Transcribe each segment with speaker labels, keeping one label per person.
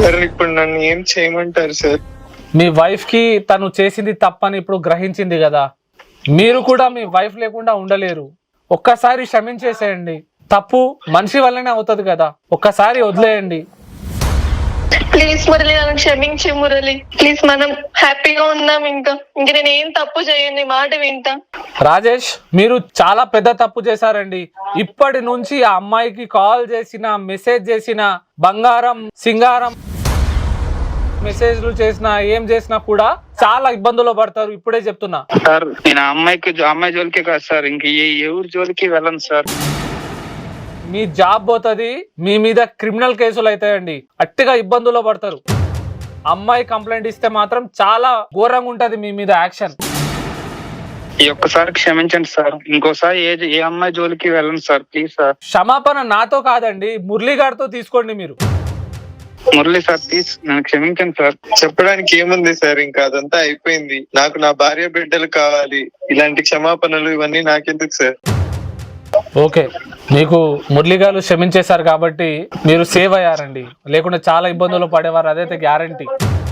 Speaker 1: Sir ఇప్పుడు నన్ను ఏం చేయమంటారు సార్?
Speaker 2: మీ వైఫ్ కి తను చేసింది తప్పని ఇప్పుడు గ్రహించింది కదా, మీరు కూడా మీ వైఫ్ లేకుండా ఉండలేరు. ఒక్కసారి క్షమించేసేయండి. తప్పు మనిషి వల్లనే అవుతుంది కదా, ఒక్కసారి వదిలేయండి.
Speaker 3: ప్లీజ్ మురళి, నన్ను క్షమించి మురళి ప్లీజ్. మనం హ్యాపీగా ఉందాం. ఇంకా నేను ఏం తప్పు చేయను, నీ మాట వింటా.
Speaker 2: రాజేష్, మీరు చాలా పెద్ద తప్పు చేశారండి. ఇప్పటి నుంచి ఆ అమ్మాయికి కాల్ చేసిన, మెసేజ్ చేసిన, బంగారం సింగారం మెసేజ్లు చేసినా ఏం చేసినా కూడా చాలా ఇబ్బందులు పడతారు. ఇప్పుడే చెప్తున్నా
Speaker 1: సార్. నేను అమ్మాయి జోలికే కాదు సార్, ఇంక ఎవరి జోలికి వెళ్ళను సార్.
Speaker 2: మీ జాబ్ పోతుంది, మీ మీద క్రిమినల్ కేసులు అవుతాయండి. అట్టిగా ఇబ్బందుల్లో పడతారు. అమ్మాయి కంప్లైంట్ ఇస్తే మాత్రం చాలా ఘోరంగా ఉంటది మీ మీద యాక్షన్.
Speaker 1: ఈ ఒక్కసారి క్షమించండి సార్, ఇంకోసారి ఏ అమ్మాయి జోలికి వెళ్ళను సార్, ప్లీజ్ సార్.
Speaker 2: క్షమాపణ నాతో కాదండి, మురళీ గారితో తీసుకోండి మీరు.
Speaker 1: మురళి సార్ ప్లీజ్ నన్ను క్షమించండి సార్. చెప్పడానికి ఏముంది సార్, ఇంకా అదంతా అయిపోయింది. నాకు నా భార్య బిడ్డలు కావాలి, ఇలాంటి క్షమాపణలు ఇవన్నీ నాకెందుకు సార్?
Speaker 2: ఓకే, మీకు మురళి గారు క్షమించేశారు కాబట్టి మీరు సేవ్ అయ్యారండి, లేకుంటే చాలా ఇబ్బందులు పడేవారు, అదైతే గ్యారంటీ.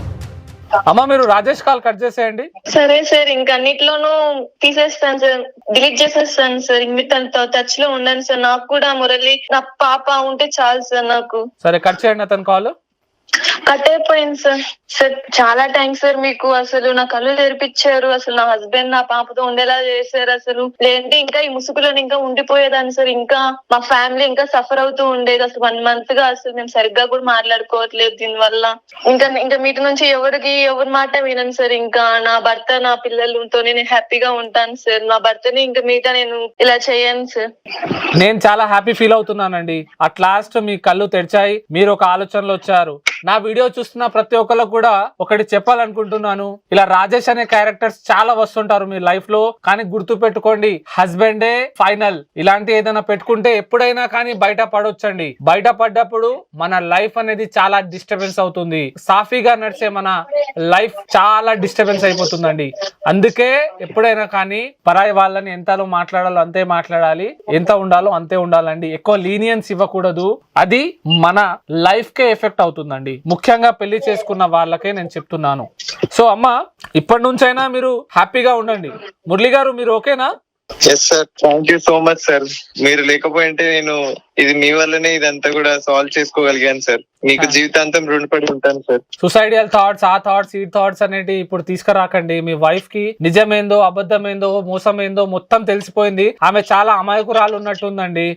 Speaker 2: అమ్మ, మీరు రాజేష్ కాల్ కట్ చేసేయండి.
Speaker 3: సరే సార్, ఇంకా అన్నిట్లోనూ తీసేస్తాను సార్, డిలీట్ చేసేస్తాను సార్. ఇంక తనతో టచ్ లో ఉండను సార్. నాకు కూడా మురళి, నా పాప ఉంటే చాలు సార్ నాకు.
Speaker 2: సరే, కట్ చేయండి అతని కాల్.
Speaker 3: కట్ అయిపోయింది సార్. సార్ చాలా థ్యాంక్స్ సార్, మీకు అసలు నా కళ్ళు తెరిపించారు. అసలు నా హస్బెండ్ నా పాపతో ఉండేలా చేశారు. అసలు లేదంటే ఇంకా ఈ ముసుగులో ఇంకా ఉండిపోయేదాన్ని సార్. ఇంకా మా ఫ్యామిలీ ఇంకా సఫర్ అవుతూ ఉండేది. అసలు 1 month గా అసలు మేము సరిగ్గా కూడా మాట్లాడుకోవట్లేదు దీని వల్ల. ఇంకా మీటి నుంచి ఎవరి మాట వినను సార్. ఇంకా నా భర్త, నా పిల్లలతో నేను హ్యాపీగా ఉంటాను సార్. నా భర్తని ఇంకా మీట నేను ఇలా చేయను సార్.
Speaker 2: నేను చాలా హ్యాపీ ఫీల్ అవుతున్నానండి. అట్ లాస్ట్ మీ కళ్ళు తెరిచాయి, మీరు ఒక ఆలోచనలో వచ్చారు. నా వీడియో చూస్తున్న ప్రతి ఒక్కరికి కూడా ఒకటి చెప్పాలనుకుంటున్నాను. ఇలా రాజేష్ అనే క్యారెక్టర్స్ చాలా వస్తుంటారు మీ లైఫ్ లో, కానీ గుర్తు పెట్టుకోండి, హస్బెండే ఫైనల్. ఇలాంటి ఏదైనా పెట్టుకుంటే ఎప్పుడైనా కానీ బయట పడొచ్చండి. బయట పడ్డప్పుడు మన లైఫ్ అనేది చాలా డిస్టర్బెన్స్ అవుతుంది. సాఫీగా నడిచే మన లైఫ్ చాలా డిస్టర్బెన్స్ అయిపోతుందండి. అందుకే ఎప్పుడైనా కానీ పరాయి వాళ్ళని ఎంతలో మాట్లాడాలో అంతే మాట్లాడాలి, ఎంత ఉండాలో అంతే ఉండాలండి. ఎక్కువ లీనియన్స్ ఇవ్వకూడదు, అది మన లైఫ్ కే ఎఫెక్ట్ అవుతుందండి. ముఖ్యంగా పెళ్లి చేసుకున్న వాళ్ళకే నేను చెప్తున్నాను. సో అమ్మ, ఇప్పటి నుంచైనా మీరు హ్యాపీగా ఉండండి. మురళి గారు, మీరు ఓకేనా?
Speaker 1: Yes sir, thank you so much sir. మీరు లేకపోయింటే నేను ఇది మీ వల్లనే ఇదంతా కూడా సాల్వ్ చేసుకోగలిగాను సార్. మీకు జీవితాంతం రుణపడి ఉంటాను సార్.
Speaker 2: సుసైడియల్ థాట్స్, ఆ థాట్స్, ఈ థాట్స్ అనేవి ఇప్పుడు తీసుకురాకండి. మీ వైఫ్ కి నిజమేందో, అబద్ధమేందో, మోసమేందో మొత్తం తెలిసిపోయింది. ఆమె చాలా అమాయకురాలు ఉన్నట్టుందండి.